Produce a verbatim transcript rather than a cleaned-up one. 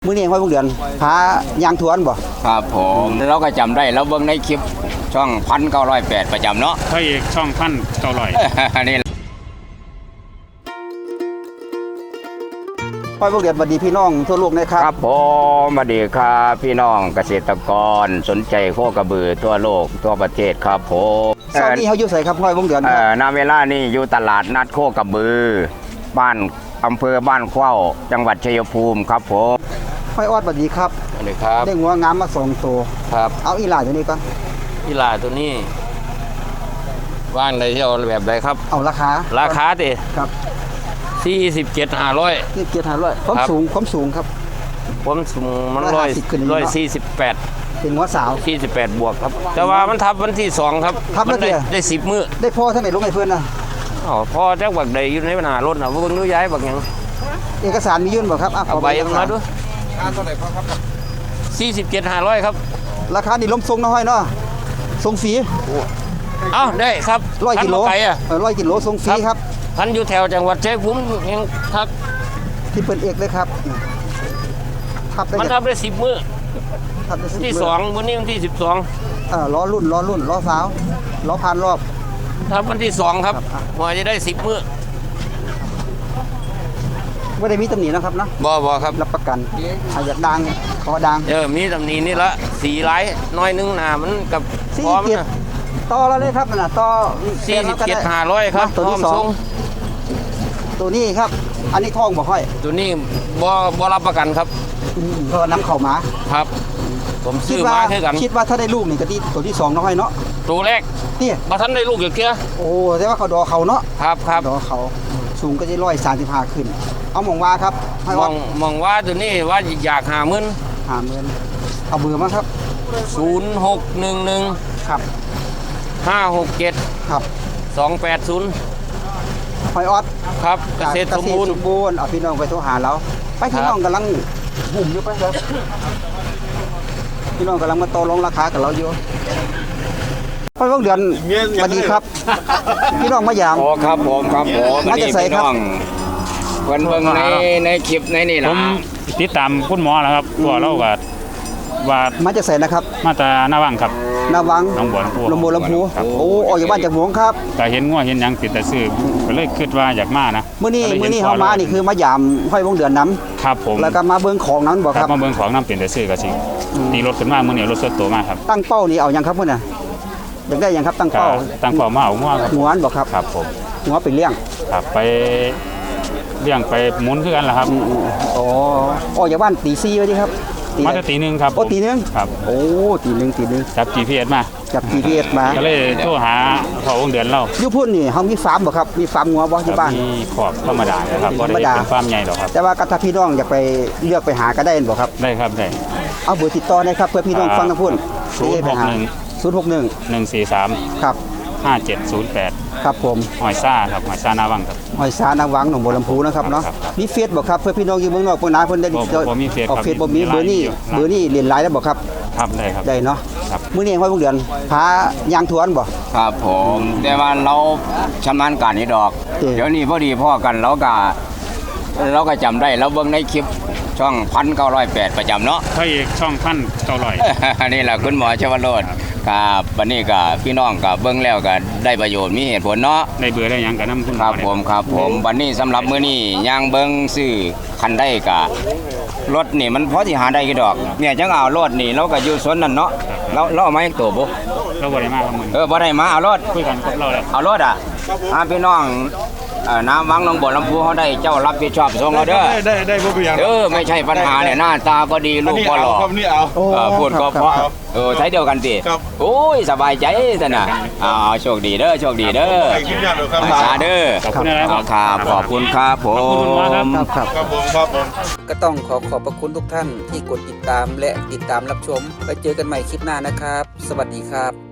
มื้อนี้ห้อยพวกเดือนพายางทวนบ่ครับผมเราก็จำได้เราเบิ่งในคลิปช่องพันเก้าร้อยแปดประจำเนาะพระเอกช่องพันเก้าร้อยนี่ห้อยพวกเดือนสวัสดีพี่น้องทั่วโลกนะครับครับผมสวัสดีครับพี่น้องเกษตรกรสนใจโคกระบือทั่วโลกทั่วประเทศครับผมเช้านี้เฮาอยู่ไสครับห้อยพวกเดือนเอ่อณเวลานี้อยู่ตลาดนัดโคกระบือบ้านอำเภอบ้านเข้าจังหวัดชัยภูมิครับผมห้อยออดสวัสดีครับสวัสดีครับได้งัวงามมาสองตัวครับเอาอีหลาตัวนี้ก่อนอีหลาตัวนี้ว่างในที่เอาแบบใดครับเอาราคาราคาดิครับสี่สิบเจ็ดห้าร้อยสี่สิบเจ็ดห้าร้อยความสูงความสูงครับผมสูงมันร้อยร้อยสี่สิบแปดเป็นหัวสาวสี่สิบแปดบวกครับแต่ว่ามันทับวันที่สองครับทับได้ได้สิบมื้อได้พ่อท่านไหนลงให้เพื่อนนะอ๋อพ่อแจ้งบักใดอยู่ในปัญหารถนะเพิ่งรู้ย้ายบักยังเอกสารมียื่นบ่ครับเอาใบมาด้วยค่าเท่าไหร่ครับสี่สิบเจ็ดห้าร้อยครับราคานี่ล้มทรงน้อยเนาะทรงฟรีเอ้าได้ครับร้อยกิโลไปอ่ะร้อยกิโลทรงฟรีครับพันอยู่แถวจังหวัดชัยภูมิยังทักที่เป็นเอกเลยครับทับได้มันทับได้สิบมื้อที่สองวันนี้วันที่สิบสองเออล้อรุ่นล้อรุ่นล้อสาวล้อพันรอบทับวันที่สองครับพอจะได้สิบมื้อไม่ได้มีตำหนินะครับนะบ่บ่ครับรับประกันอยากดังขอดังเออมีตำหนินี่ละสีไร้น้อยนึงหนามันกับพร้อมนะต่อแล้วเลยครับนะต่อสี่สิบเจ็ดห้าร้อยครับตัวที่สองตัวนี้ครับอันนี้ท้องบ่ค่อยตัวนี้บ่บ่รับประกันครับเพราะน้ำเข่าหมาครับผมซื้อมาให้กันคิดว่าถ้าได้ลูกนี่ก็ที่ตัวที่สองน้อยเนาะตัวแรกนี่มาท่านได้ลูกอย่างเกี้ยโอ้แต่ว่าเขาดอเขาเนาะครับครับดอเขาสูงก็จะร้อยสามสิบห้าขึ้นเอามองว่าครับมองมองว่าตัวนี้ว่าอยากหาเงินหาเงินเอาเบอร์มาครับศูนย์หกหนึ่งหนึ่งครับห้าหกเจ็ดครับสองแปดศูนย์หอยออดครับเกษตรสมบูรณ์สมบูรณ์เอาพี่น้องไปโทรหาเราไปพี่น้องกำลังหุ่มอยู่ไปครับพี่น้องกำลังมาโตลงราคากับเราอยู่พ่อพวกเดือนสวัสดีครับพี่น้องมายามโอ้ครับผมครับผมมาจะใส่ครับเพิ่นเบิ่งในในคลิปในนี่ล่ะผมติดตามคุณหมอแล้วครับว่าเราก็ว่ามาจะใส่นะครับมาตาหน้าวังครับหน้าวังหนองบัวลำพูลำบัวลำพูโอ้ออกจากบ้านจากหวงครับแต่เห็นงัวเห็นหยังติดแต่ซื้อก็เลยคิดว่าอยากมานะมื้อนี้มื้อนี้เฮามานี่คือมายามห้อยพวกเดือนน้ำครับผมแล้วก็มาเบิ่งของนั้นบ่ครับมาเบิ่งของน้ำเป็นแต่ซื้อก็สิตีรถขึ้นมามื้อนี้รถสดตัวมากครับตั้งเป้านี่เอายังครับพุ่นน่ะอยากได้ยังครับตั้งเป้าตั้งเป้ามาเอางัวครับหัวอันบ่ครับครับผมหัวไปเลี้ยงครับไปเลี้ยงไปหมุนคือกันล่ะครับอ๋อออกจากบ้านตีสี่ว่าดิครับมาจะตีหนึ่งครับโอ้ตีหนึ่งครับโอ้ตีหนึ่งตีหนึ่งจับ จี พี เอส มาจับ จี พี เอส มาก็เลยโทรหาพ่อวงเดือนเราอยู่พุ่นนี่เฮามีฟาร์มบ่ครับมีฟาร์มงัวบ่ที่บ้านมีขอบธรรมดาครับบ่ได้เป็นฟาร์มใหญ่หรอกครับแต่ว่าถ้าพี่น้องอยากไปเลือกไปหาก็ได้บ่ครับได้ครับได้เอาเบอร์ติดต่อได้ครับเพื่อพี่น้องฟังทั้งพุ่นศูนย์หกหนึ่งศูนย์หกหนึ่งหนึ่งสี่สามครับห้าเจ็ดศูนย์แปดครับผมหอยซ่าครับหอยซ่านาวังครับหอยซ่านาวังหนองบัวลำพูนะครับเนาะมีเฟซบ่ครับเพื่อพี่น้องอยู่เมืองนอกเมืองนาเพิ่นได้บ่มีเฟซครับเฟซบ่มีเบอร์นี้เบอร์นี้เรียนไลน์ได้บ่ครับครับได้ครับได้เนาะมื้อนี้ห้อยพวกเดือนพายางทวนบ่ครับผมแต่ว่าเราชำนาญการนี่ดอกเดี๋ยวนี้พอดีพ่อกันเราก็เราก็จำได้เราเบิ่งในคลิปช่องพันเก้าร้อยแปดประจำเนาะพระเอกช่องพันเก้าร้อยนี่แหละคุณหมอชวโรจน์กับวันนี้กับพี่น้องกับเบิ้งแล้วก็ได้ประโยชน์มีเหตุผลเนาะได้เบื่อได้ยังกับน้ำคุณครับผมครับผมวันนี้สำหรับมื้อนี้ย่างเบิ้งซื้อคันได้กับรถนี่มันพอที่หาได้กี่ดอกเนี่ยจังเอารถนี่เราก็อยู่สวนนั่นเนาะเราเราเอามาให้ตัวบ่เราบ่ได้มาครับมึงเออบ่ได้มาเอารถคุยกันกับเราแล้วเอารถอ่ะอ่าพี่น้องน้ำวังหนองบัวลำพูเขาได้เจ้ารับผิดชอบส่งเราเด้อได้ได้พวกอย่างเออไม่ใช่ปัญหาเนี่ยหน้าตาก็ดีลูกก็หล่อนี่เอาพูดก็เพราะเออใช้เดียวกันสิโอ้ยสบายใจสินะเอาโชคดีเด้อโชคดีเด้อสาเด้อขอบคุณครับขอบคุณครับผมครับครับผมครับผมก็ต้องขอขอบพระคุณทุกท่านที่กดติดตามและติดตามรับชมไปเจอกันใหม่คลิปหน้านะครับสวัสดีครับ